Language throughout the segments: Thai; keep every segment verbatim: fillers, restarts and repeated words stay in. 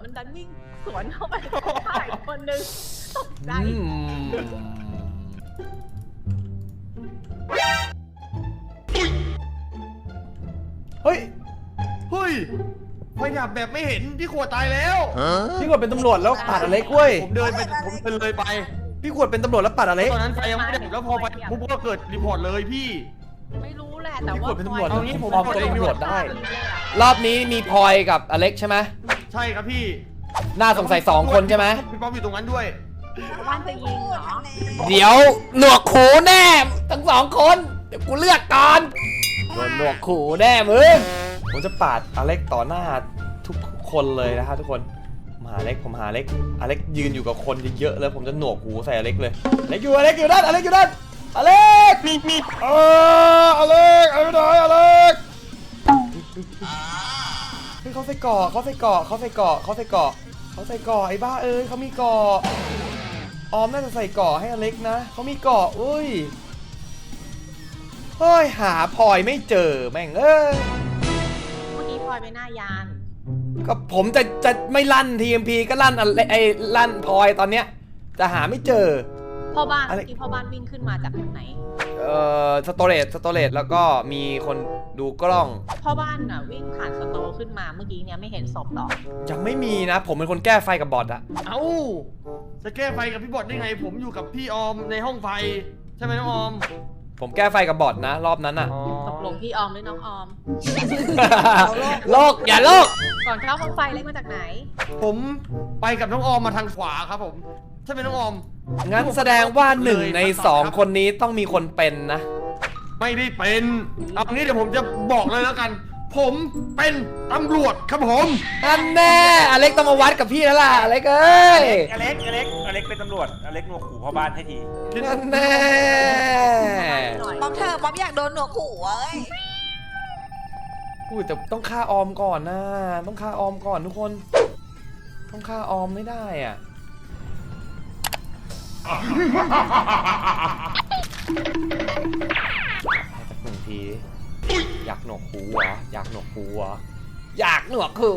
มันดันวิ่งสวนเข้าไปถ่ายคนนึงตกใจเฮ้ยเฮ้ยไฟดับแบบไม่เห็นพี่ขวดตายแล้วพี่ขวดเป็นตำรวจแล้วปัดอเล็กเว้ยผมเดินไปผมเดินเลยไปพี่ขวดเป็นตำรวจแล้วปัดอเล็กตอนนั้นไฟยังไม่ดับแล้วพอไฟปุ๊บก็เกิดรีพอร์ตเลยพี่ไม่รู้แหละแต่ว่าพี่ขวดเป็นตำรวจเอางี้ผมปลอมตัวเป็นตำรวจได้ รอบนี้มีพลอยกับอเล็กใช่ไหมใช่ครับพี่น่าสงสัยสองคนใช่ไหมพี่ป๊อปอยู่ตรงนั้นด้วยบ้านจะยิงเหรอเดี๋ยวหนวกหูแน่ทั้งสองคนเดี๋ยวกูเลือกก่อนโดนหนวกหูแน่มึงผมจะปาดอเล็กต่อหน้าทุกคนเลยนะฮะทุกคนมาอเล็กผมหาอเล็กอเล็กยืนอยู่กับคนเยอะๆแล้วผมจะหนวกหูใส่อเล็กเลยอเล็กอยู่อเล็กอยู่ด้านอเล็กอยู่ด้านอเล็กมีมีเอออเล็กเอาไปหน่อยอเล็กเฮ้ยเขาใส่เกาะเขาใส่เกาะเขาใส่เกาะเขาใส่เกาะเขาใส่เกาะไอ้บ้าเอ้ยเขามีเกาะออมน่าจะใส่เกาะให้อเล็กนะเขามีเกาะอุ้ยเฮ้ยหาพลอยไม่เจอแม่งเอ้ยเมื่อกี้พลอยไปหน้ายานก็ผมจะจะไม่ลั่น ที เอ็ม พี ก็ลั่นอะไรไอ้ลั่นพลอยตอนเนี้ยจะหาไม่เจอพ่อบ้านอะไรเมื่อกี้พ่อบ้านวิ่งขึ้นมาจากทางไหนเอ่อสโตเรจสโตเรจแล้วก็มีคนดูกล้องพ่อบ้านน่ะวิ่งผ่านสโตร์ขึ้นมาเมื่อกี้เนี่ยไม่เห็นศพหรอกยังไม่มีนะ ผมเป็นคนแก้ไฟกับบอทอะเอ้าจะแก้ไฟกับพี่บอดได้ไง ผมอยู่กับพี่ออมในห้องไฟใช่ไหมน้องออมผมแก้ไฟกับบอทนะ รอบนั้นอะตกลงพี่ออมหรือน้องออมโลกอย่าโลกก่อนเข้าห้องไฟเล็กมาจากไหนผมไปกับน้องออมมาทางขวาครับผมใช่ไหมน้องออมงั้นแสดงว่าหนึ่งในสองคนนี้ต้องมีคนเป็นนะไม่ได้เป็นเอางี้เดี๋ยวผมจะบอกเลยแล้วกัน ผมเป็นตำรวจครับผมอันแน่อเล็กต้องมาวัดกับพี่แล้วล่ะอเล็กเอ้ยอเล็กอเล็กอเล็กเป็นตำรวจอเล็กหนวกหูพ่อบ้านให้ทีอันแน่ป๊อปเธอป๊อปอยากโดนหนวกหูเอ้ยอุ้ยแต่ต้องฆ่าออมก่อนนะต้องฆ่าออมก่อนทุกคน ต้องฆ่าออมไม่ได้อ่ะให้สักหนึ่งทีอยากหนวกหูเหรออยากหนวกหูเหรออยากหนวกหู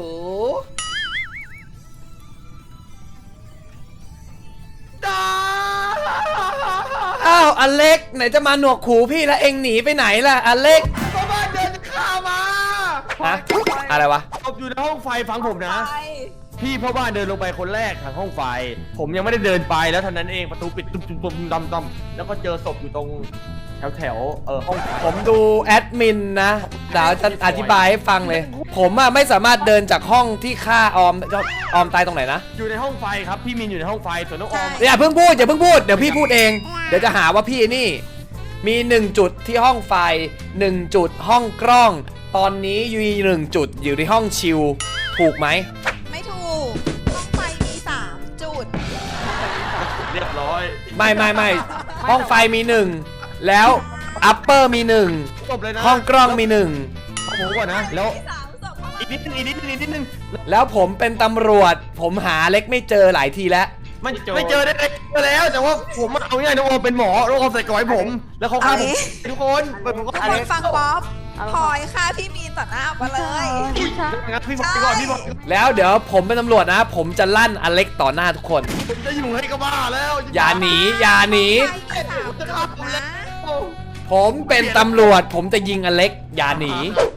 อ้าวอเล็กไหนจะมาหนวกหูพี่แล้วเอ็งหนีไปไหนล่ะอเล็กพ่อบ้านเดินข้ามาฮะอะไรวะผมอยู่ในห้องไฟฟังผมนะไปพี่พ่อบ้านเดินลงไปคนแรกทางห้องไฟ ผมยังไม่ได้เดินไปแล้วเท่านั้นเองประตูปิดตุ้มตุ้มตุ้มดำดำแล้วก็เจอศพอยู่ตรงแถวแถวเออห้องไฟผมดูแอดมินนะเดี๋ยวจะอธิบายให้ฟังเลย ผมอะไม่สามารถเดินจากห้องที่ฆ่าออมออมตายตรงไหนนะอยู่ในห้องไฟครับพี่มินอยู่ในห้องไฟส่วนน้องออมอย่าเพิ่งพูดอย่าเพิ่งพูดเดี๋ยวพี่พูดเอง เดี๋ยวจะหาว่าพี่นี่ มีหนึ่งจุดที่ห้องไฟหนึ่งจุดห้องกล้อง ตอนนี้อยู่หนึ่งจุดอยู่ในห้องชิลถูกไหมไม่ถูก ห้องไฟมีสามจุดเรียบร้อยไม่ไม่ไม่ห้องไฟมีหนึ่งแล้วอัปเปอร์มีหนึ่งจบเลยนะห้องกล้องมีหนึ่งเอาผมก่อนนะแล้วมีสามศพเข้ามาอีกนิดนึงอีกนิดนึงอีกนิดนึงแล้วผมเป็นตำรวจ ผมหาเล็กไม่เจอหลายทีแล้วไม่ไม่เจอได้เลยเจอแล้วแต่ว่าผมเอาง่ายน้องออมเป็นหมอน้องออมใส่กอยผม แล้วเขาฆ่าผมทุกคนเปิดผมก็ทุกคนฟังป๊อปพลอยค่ะพี่มีนต่อหน้ามาเลยงั้นพี่บอกไปก่อนพี่บอกแล้วเดี๋ยวผมเป็นตำรวจนะ ผมจะลั่นอเล็กต่อหน้าทุกคนผมจะอยู่ให้ก็บ้าแล้วอย่าหนีอย่าหนีไฟมีสามจุดนะผมเป็นตำรวจ ผมจะยิงอเล็กอย่าหนี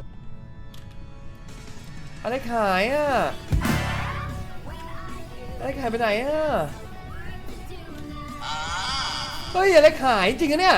อเล็กหายอ่ะอเล็กหายไปไหนอ่ะเฮ้ยอเล็กหายจริงอะเนี่ย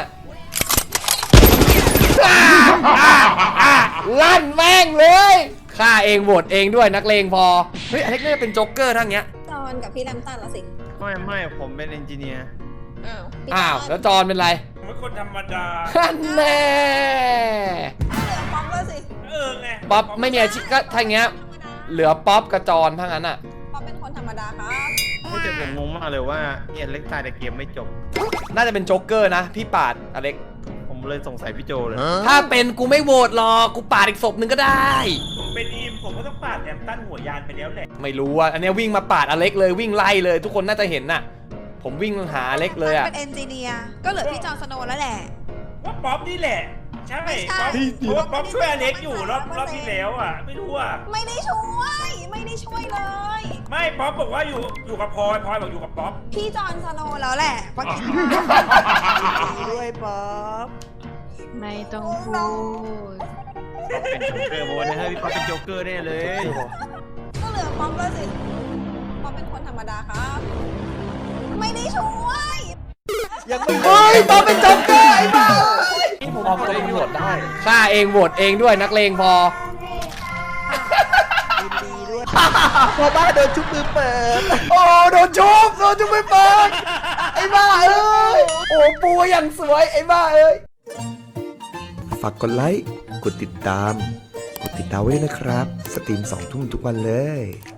อ่าอ่าอ่าลั่นแม่งเลยฆ่าเองโหวตเองด้วยนักเลงพอเฮ้ยอเล็กน่าจะเป็นโจ๊กเกอร์ทั้งเนี้ยจอนกับพี่ลำตันละสิไม่ไม่ผมเป็นเอนจิเนียร์อ้าวพี่อ้าวจนแล้วจอนเป็นไรผมเป็นคนธรรมดาฮันแน่เหลือป๊อปแล้วสิเออไงป๊อปไม่มีอาชีพก็ถ้าอย่างเงี้ยเหลือป๊อปกับจอนทั้งนั้นอ่ะป๊อปเป็นคนธรรมดาครับไม่แต่ผมงงมากเลยว่าเอ็นเล็กตายแต่เกมไม่จบน่าจะเป็นโจ๊กเกอร์นะ พี่ปาดอเล็กผมเลยสงสัยพี่โจเลยถ้าเป็นกูไม่โหวตหรอกกูปาดอีกศพหนึ่งก็ได้ผมเป็นอีมผมก็ต้องปาดแอมตันหัวยานไปแล้วแหละไม่รู้อ่ะอันเนี้ยวิ่งมาปาดอเล็กเลยวิ่งไล่เลย ทุกคนน่าจะเห็นน่ะ ผมวิ่งหาอเล็กเลยอ่ะเป็นเอนจิเนียร์ก็เหลือพี่จอนสโนว์แล้วแหละว่าป๊อปนี่แหละใช่ไม่ใช่ป๊อปเพราะว่าป๊อปช่วยอเล็กอยู่รอบรอบที่แล้วอ่ะไม่รู้อ่ะไม่ได้ช่วย ไม่ได้ช่วยเลยไม่ป๊อปบอกว่าอยู่อยู่กับพลอยพลอยบอกอยู่กับป๊อปพี่จอห์นสโนว์แล้วแหละป๊อปด้วยป๊อปไม่ต้องพูดเป็นโจ๊กเกอร์โบนะเฮ้ยพี่ป๊อปเป็นโจ๊กเกอร์แน่เลยก็เหลือป๊อปแล้วสิป๊อปเป็นคนธรรมดาครับ ไม่ได้ช่วยยังไม่เฮ้ยตอนเป็นจ็อกเกอร์ไอ้บ้าผมเอาตัวเองโหวตได้ฆ่าเองโหวตเองด้วยนักเลงพอยินดีด้วยพอบ้านโดนชุบมือเปิดโอ้โดนชุบโดนชุบไม่เปิดไอ้บ้าเอ้ยโอ้ปูอย่างสวยไอ้บ้าเอ้ยฝากกดไลค์ กดติดตาม กดติดดาวไว้ด้วยนะครับ สตรีมสองทุ่มทุกวันเลย